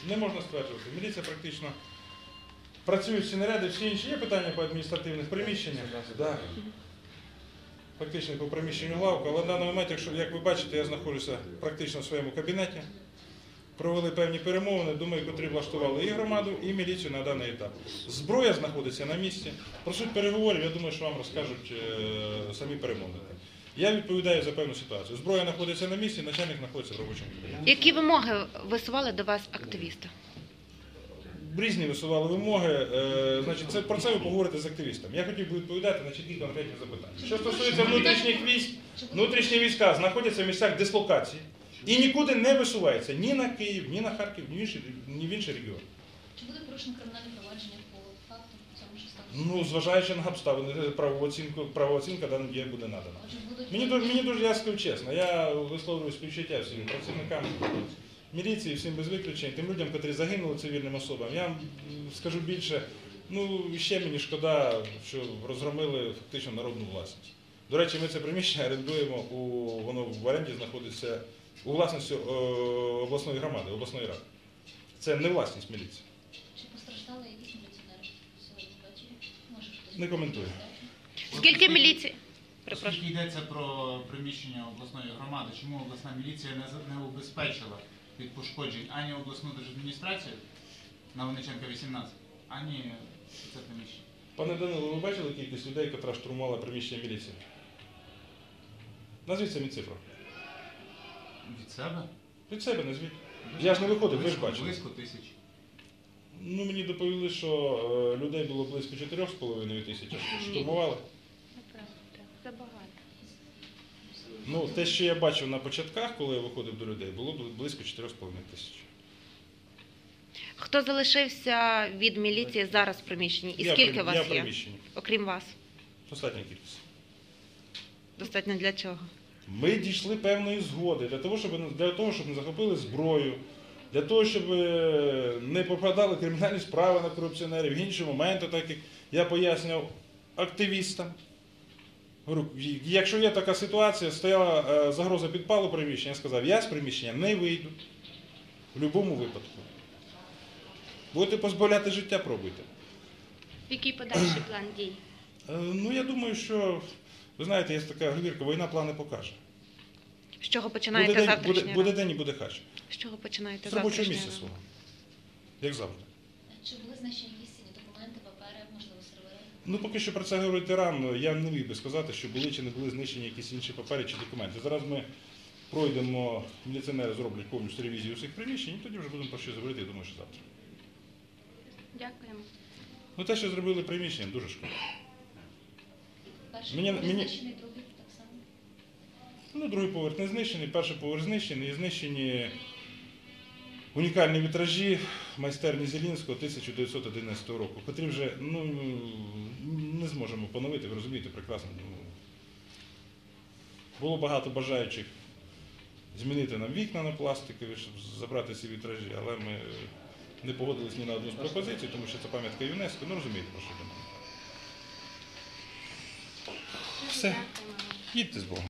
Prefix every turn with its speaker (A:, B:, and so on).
A: Не можна стверджувати. Міліція практично працює всі наряди, всі інші. Є питання по адміністративних приміщеннях. Да. Фактично по приміщенню главку, але в даний момент, якщо, як ви бачите, я знаходжуся практично в своєму кабінеті. Провели певні перемовини, думаю, котрі влаштували і громаду, і міліцію на даний етап. Зброя знаходиться на місці. Про суть переговорів, я думаю, що вам розкажуть самі перемовники. Я відповідаю за певну ситуацію. Зброя знаходиться на місці, начальник знаходиться в робочому кабінеті.
B: Які вимоги висували до вас активісти?
A: Різні висували вимоги. Значить, про це ви поговорите з активістами. Я хотів би відповідати на чіткі конкретні запитання. Що стосується внутрішніх військ, внутрішні війська знаходяться в місцях дислокації і нікуди не висуваються ні на Київ, ні на Харків, ні в інші регіони.
C: Чи буде порушено кримінальне провадження по факту цьому, що сталося?
A: Ну, зважаючи на обставини, правова оцінка даним діям буде надана. Мені дуже, я скажу чесно, я висловлюю співчуття всім працівникам міліції, всім без виключень, тим людям, котрі загинули, цивільним особам. Я скажу більше, ще мені шкода, що розгромили фактично народну власність. До речі, ми це приміщення орендуємо, воно в оренді знаходиться у власності обласної громади, обласної ради. Це не власність міліції.
C: Чи постраждали якісь міліціонери сьогодні ввечері?
A: Не коментую.
B: Скільки міліції?
D: Оскільки йдеться про приміщення обласної громади, чому обласна міліція не убезпечила від пошкоджень ані обласну держадміністрацію на Винниченка 18, ані це приміщення?
A: Пане Данило, ви бачили кількість людей, яка штурмувала приміщення міліції? Назвіть самі цифру.
D: Від себе?
A: Від себе назвіть. Я ж не виходив, ви ж бачили.
D: Близько 1000.
A: Мені доповіли, що людей було близько 4,5 тисяч, штурмували.
B: Забагато.
A: Те, що я бачив на початках, коли я виходив до людей, було близько 4,5 тисяч.
B: Хто залишився від міліції зараз в приміщенні? І скільки вас
A: Я
B: є?
A: в приміщенні.
B: Окрім вас?
A: Достатня кількість.
B: Достатньо для чого?
A: Ми дійшли певної згоди для того, щоб не захопили зброю, для того, щоб не попадали кримінальні справи на корупціонерів, в інші моменти, так як я пояснював активістам. Говорю, якщо є така ситуація, стояла загроза підпалу приміщення, я сказав, я з приміщення не вийду в будь-якому випадку. Будете позбавляти життя, пробуйте.
B: Який подальший план дій?
A: Я думаю, що, ви знаєте, є така говірка, війна плани покаже.
B: З чого починаєте завтрашнього?
A: Буде день і буде хач.
B: З чого починаєте
A: З робочого
B: завтрашнього?
A: місця свого. Як завжди.
C: Чи були знищені якісь цінні документи, папери, можливо, сервери?
A: Поки що про це говорити рано. Я не міг би сказати, що були чи не були знищені якісь інші папери чи документи. Зараз ми пройдемо, міліціонери зроблять повністю ревізію всіх приміщень, і тоді вже будемо про щось говорити, я думаю, що завтра.
B: Дякуємо.
A: Те, що зробили приміщенням, дуже шкода.
C: Перший поверх знищений, другий так само?
A: Другий поверх не знищений, перший поверх знищений, і знищені унікальні вітражі майстерні Зелінського 1911 року, котрі вже не зможемо поновити, ви розумієте прекрасно. Було багато бажаючих змінити нам вікна на пластикові, щоб забрати ці вітражі, але ми не погодились ні на одну з пропозицій, тому що це пам'ятка ЮНЕСКО, розумієте, про що йдемо. Все, їдьте з Богом.